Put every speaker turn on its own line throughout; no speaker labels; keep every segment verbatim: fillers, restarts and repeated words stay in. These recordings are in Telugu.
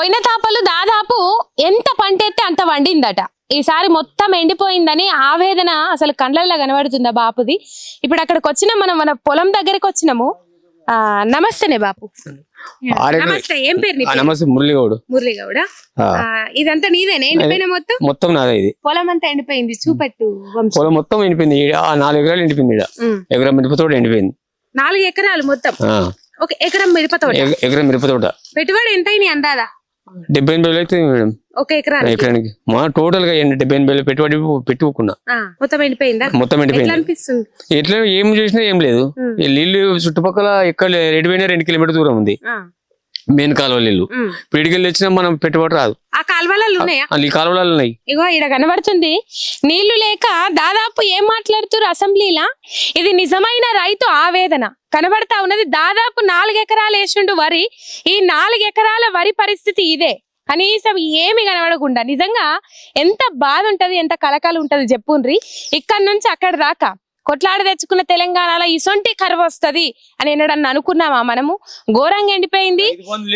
పోయిన తాపలు దాదాపు ఎంత పంట ఎత్తే అంత వండిందట. ఈసారి మొత్తం ఎండిపోయిందని ఆవేదన అసలు కళ్ళల్లో కనబడుతుందా బాపుది. ఇప్పుడు అక్కడికి వచ్చినాం, మనం మన పొలం దగ్గరికి వచ్చినాము. ఆ నమస్తేనే బాపు. నమస్తే, ఏం పేరు నీ పేరు?
నమస్తే, మురళిగౌడ్.
మురళిగౌడ. ఇదంతా నీదేనా ఎండిపోయిన మొత్తం?
మొత్తం నాదే. ఇది
పొలం అంతా ఎండిపోయింది, చూపెట్టు. పొలం
మొత్తం ఎండిపోయింది, నాలుగు ఎకరాలు ఎండిపోయింది. ఎకరం మిరప తోట ఎండిపోయింది.
నాలుగు ఎకరాలు మొత్తం? ఒక ఎకరం మిరప తోట.
ఎకరం మిరప తోట.
పెట్టుబడి ఎంత అయినాయి అందాదా?
డెబ్బై ఎనభై వేలు అయితే మేడం
ఒక ఎకరానికి.
ఎకరానికి మా టోటల్ గా డెబ్బై ఎనభై వేలు పెట్టుబడి పెట్టుకున్నా.
మొత్తం ఎండిపోయిందా?
మొత్తం ఎండిపోయింది. ఎట్లా ఏం చేసినా ఏం లేదు. నీళ్లు చుట్టుపక్కల ఎక్కడ రెడ్డి పోయినా రెండు కిలోమీటర్ దూరం ఉంది మెయిన్ కాలువ నీళ్లు. పిడికెళ్ళి వచ్చినా మనం పెట్టుబడి రాదు.
ఆ కాలువలలో ఉన్నాయా?
ఈ కాలువలలో ఉన్నాయి.
ఇగో ఇక్కడ కనబడుతుంది. నీళ్లు లేక దాదాపు ఏం మాట్లాడుతున్నారు అసెంబ్లీలా. ఇది నిజమైన రైతు ఆవేదన కనబడతా ఉన్నది. దాదాపు నాలుగు ఎకరాలు వేసిండు వరి. ఈ నాలుగు ఎకరాల వరి పరిస్థితి ఇదే. కనీసం ఏమి కనబడకుండా నిజంగా ఎంత బాధ ఉంటది, ఎంత కలకాలు ఉంటది చెప్పుండ్రి. ఇక్కడ నుంచి అక్కడ దాకా కొట్లాడ తెచ్చుకున్న తెలంగాణలో ఇసొంటి కరువు వస్తది అని ఎన్నడన్నా అనుకున్నామా మనము? ఘోరంగా ఎండిపోయింది.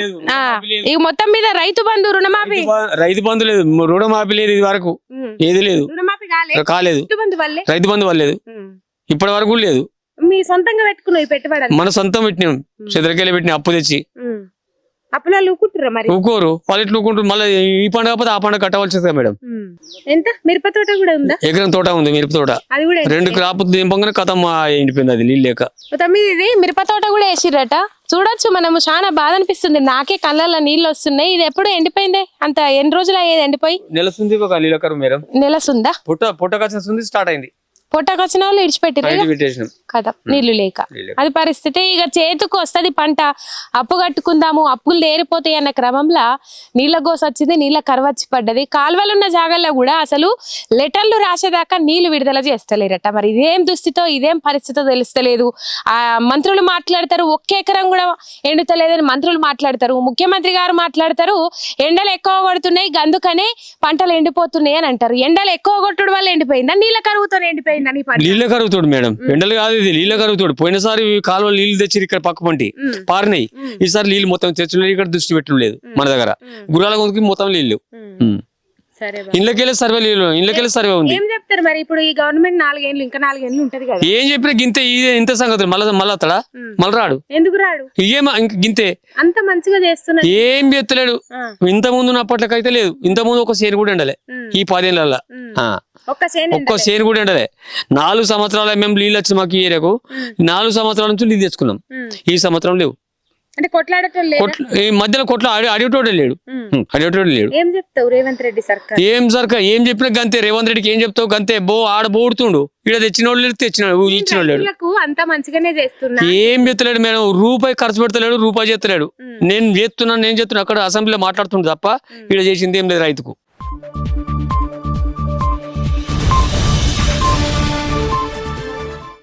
ఇక మొత్తం మీద రైతు బంధు రుణమాఫీ
రైతు బంధు లేదు, రుణమాఫీ లేదు, ఇది వరకు ఏది లేదు,
రుణమాఫీ
కాలేదు. రైతు బంధు వల్లేదు, ఇప్పటి వరకు లేదు.
మీ సొంతంగా పెట్టుకున్నావు పెట్టుబడి?
మన సొంతం పెట్టినాం, చెదరకెళ్ళి పెట్టిన అప్పు తెచ్చి.
అప్పులా ఊకుంటారా మరి?
ఊకోరు, వాళ్ళు ఎట్లా ఊకుంటారు. మళ్ళీ ఈ పండుగ కాకపోతే ఆ పండుగ కట్టవలసింది మేడం.
ఎంత మిరప తోట కూడా ఉందా?
ఎకరం తోట ఉంది మిరప తోట. అది కూడా రెండు క్రాప్ దింపగానే కథం ఎండిపోయింది, అది నీళ్ళు లేక.
తొమ్మిది ఇది మిరప తోట కూడా వేసిరట. చూడొచ్చు మనము, చాలా బాధ అనిపిస్తుంది. నాకే కళ్ళల్లో నీళ్ళు వస్తున్నాయి. ఇది ఎప్పుడు ఎండిపోయింది? అంత ఎన్ని రోజులు అయ్యేది ఎండిపోయి?
నెలసుంది ఒక నీళ్ళకరు మేడం.
నెలసుందా?
పుట్ట పుట్టకొచ్చిన స్టార్ట్ అయింది.
పొట్టకొచ్చిన వాళ్ళు ఇడిచిపెట్టిరు కదా నీళ్లు లేక. అది పరిస్థితి. ఇక చేతికి వస్తుంది పంట, అప్పు కట్టుకుందాము, అప్పులు తేరిపోతాయి అన్న క్రమంలో నీళ్ళ గోస వచ్చింది, నీళ్ళ కరవచ్చి పడ్డది. కాలువలు ఉన్న జాగాల్లో కూడా అసలు లెటర్లు రాసేదాకా నీళ్లు విడుదల చేస్తలేరట. మరి ఇదేం దుస్థితో, ఇదేం పరిస్థితో తెలుస్తలేదు. ఆ మంత్రులు మాట్లాడతారు ఒక్క ఎకరం కూడా ఎండుతలేదని మంత్రులు మాట్లాడతారు, ముఖ్యమంత్రి గారు మాట్లాడతారు ఎండలు ఎక్కువ కొడుతున్నాయి అందుకనే పంటలు ఎండిపోతున్నాయి అని అంటారు. ఎండలు ఎక్కువ కొట్టడం వల్ల ఎండిపోయిందా, నీళ్ళ కరువుతో ఎండిపోయిందా?
నీళ్ళ కరుగుతాడు మేడం, ఎండలు కాదు ఇది, నీళ్ళ కరుగుతాడు. పోయినసారి కాలువ నీళ్లు తెచ్చి ఇక్కడ పక్క పంటి పారినాయి. ఈసారి నీళ్ళు మొత్తం తెచ్చు, ఇక్కడ దృష్టి పెట్టడం లేదు మన దగ్గర. గుర్రాల కొందకి మొత్తం నీళ్ళు. ఇళ్ళకెళ్ళి సర్వే నీళ్ళు, ఇళ్ళకెళ్ళి సర్వే ఉంది.
ఏం చెప్తారు మరి ఇప్పుడు ఈ గవర్నమెంట్? నాలుగేళ్ళు ఇంకా నాలుగేళ్ళు ఉంటది కదా.
ఏం చెప్పినా గింతే, ఇదే ఇంత సంగతి. మళ్ళీ మళ్ళీ అతడా మళ్ళీ రాడు.
ఎందుకు రాడు?
ఏమో ఇంక గింతే,
అంత మంచిగా చేస్తున్నా
ఏం చేస్తలేడు. ఇంత ముందు అప్పట్లకైతే లేదు. ఇంత ముందు ఒక సేను కూడా ఎండలే ఈ పదేళ్ళ. ఒక్క సేను కూడా ఎండలే. నాలుగు సంవత్సరాల మేము నీళ్ళు వచ్చి మాకు ఈ ఏరియాకు నాలుగు సంవత్సరాల నుంచి నీళ్ళు తెచ్చుకున్నాం. ఈ సంవత్సరం లేవు.
అంటే కొట్లాడటం లేదు.
ఈ మధ్యలో కొట్ల అడిగేటోడే లేడు, అడిగేటోడే లేడు.
ఏం చెప్తావు రేవంత్ రెడ్డి సర్కార్?
ఏం సర్కార్ ఏం చెప్పినా గంతే. రేవంత్ రెడ్డికి ఏం చెప్తావు గంతే. బో ఆడ బోడుతుండు, ఇక్కడ తెచ్చినోడు లేడు, తెచ్చినాడు ఇచ్చినోడు లేడు.
అంతా మంచిగానే చేస్తున్నా.
ఏం చెప్తలేడు మేడం, రూపాయి ఖర్చు పెడతలేడు, రూపాయి చేస్తలేడు. నేను చేస్తున్నాను నేను చేస్తున్నా అక్కడ అసెంబ్లీలో మాట్లాడుతుండు తప్ప ఇక్కడ చేసింది ఏం లేదు రైతుకు.